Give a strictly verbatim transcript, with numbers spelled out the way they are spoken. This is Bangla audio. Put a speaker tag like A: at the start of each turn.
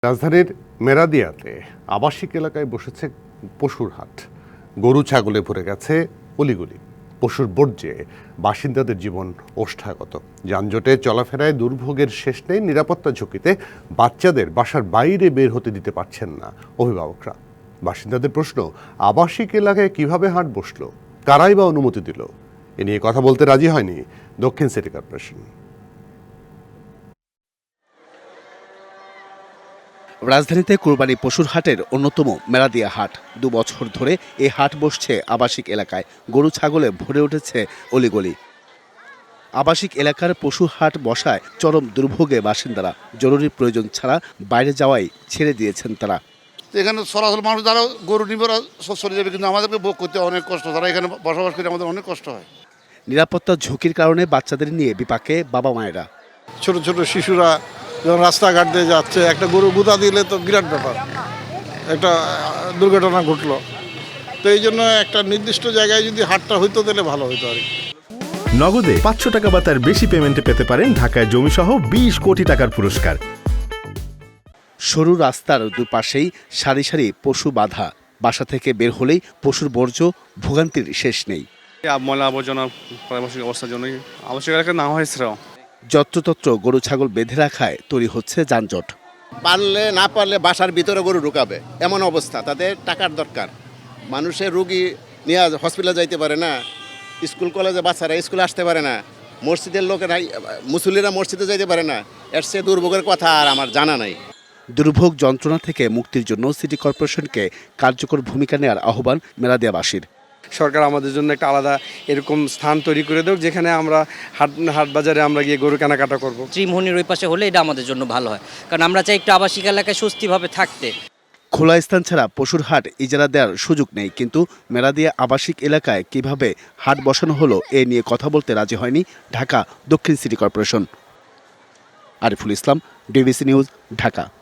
A: রাজধানীর মেরাদিয়াতে আবাসিক এলাকায় বসেছে পশুর হাট। গরু ছাগলে ভরে গেছে অলিগলি। পশুর বর্জ্যে বাসিন্দাদের জীবন ওষ্ঠাগত। যানজটে চলাফেরায় দুর্ভোগের শেষ নেই। নিরাপত্তা ঝুঁকিতে বাচ্চাদের বাসার বাইরে বের হতে দিতে পারছেন না অভিভাবকরা। বাসিন্দাদের প্রশ্ন, আবাসিক এলাকায় কিভাবে হাট বসলো, কারাই বা অনুমতি দিল? এ নিয়ে কথা বলতে রাজি হয়নি দক্ষিণ সিটি কর্পোরেশন।
B: রাজধানীতে কোরবানি পশুর হাটের অন্যতম মেরাদিয়া হাট। দু বছর ধরে এই হাট বসছে আবাসিক এলাকায়। গরু ছাগলে ভরে উঠেছে অলিগলি। আবাসিক এলাকার পশু হাট বসায় চরম দুর্ভোগে বাসিন্দারা। জরুরি প্রয়োজন ছাড়া বাইরে যাওয়াই ছেড়ে দিয়েছেন তারা।
C: এখানে সরাসরি মানুষ যারা গরু নিবে ওরা চলে যাবে, কিন্তু আমাদেরকে ভোগ করতে অনেক কষ্ট। তারা এখানে বসবাস করে আমাদের অনেক কষ্ট হয়।
B: নিরাপত্তা ঝুঁকির কারণে বাচ্চাদের নিয়ে বিপাকে বাবা মায়েরা।
D: ছোট ছোট শিশুরা যখন রাস্তাঘাট দিয়ে যাচ্ছে, একটা গরু গুঁতা দিলে তো বিরাট ব্যাপার, একটা দুর্ঘটনা ঘটলো। তো এই জন্য একটা নির্দিষ্ট জায়গায় যদি হাটটা হইতো তাহলে ভালো হইতো আর কি।
E: নগদে পাঁচশো টাকা বা তার বেশি পেমেন্টে পেতে পারেন ঢাকায় জমিসহ বিশ কোটি টাকার পুরস্কার।
B: সরু রাস্তার দুপাশেই সারি সারি পশু বাঁধা। বাসা থেকে বের হলেই পশুর বর্জ্য, ভোগান্তির শেষ নেই।
F: ময়লা আবর্জনা পারিপার্শ্বিক অবস্থার জন্যই আবশ্যক এলাকা না হয়েছিল।
B: যত্রতত্র গরু ছাগল বেঁধে রাখায় তৈরি হচ্ছে যানজট।
G: পারলে না পারলে বাসার ভিতরে গরু ঢুকাবে, এমন অবস্থা। তাদের টাকার দরকার। মানুষের রুগী নিয়ে হসপিটালে যাইতে পারে না, স্কুল কলেজে বাচ্চারা স্কুলে আসতে পারে না, মসজিদের লোকেরা মুসল্লিরা মসজিদে যাইতে পারে না। এর সে দুর্ভোগের কথা আর আমার জানা নাই।
B: দুর্ভোগ যন্ত্রণা থেকে মুক্তির জন্য সিটি কর্পোরেশনকে কার্যকর ভূমিকা নেওয়ার আহ্বান মেরাদিয়াবাসীর।
F: সরকার আমাদের জন্য একটা আলাদা এরকম স্থান তৈরি করে দেব, যেখানে আমরা হাট হাট বাজারে আমরা গিয়ে গরু কেনাকাটা করব।
H: ত্রিমোহনীর ওই পাশে হলে এটা আমাদের জন্য ভালো হয়, কারণ আমরা চাই একটু আবাসিক এলাকায় সুস্থিরভাবে থাকতে।
B: খোলা স্থান ছাড়া পশুর হাট ইজারা দেওয়ার সুযোগ নেই, কিন্তু মেরাদিয়া আবাসিক এলাকায় কিভাবে হাট বসানো হলো এ নিয়ে কথা বলতে রাজি হয়নি ঢাকা দক্ষিণ city corporation. Ariful Islam, DBC news, Dhaka.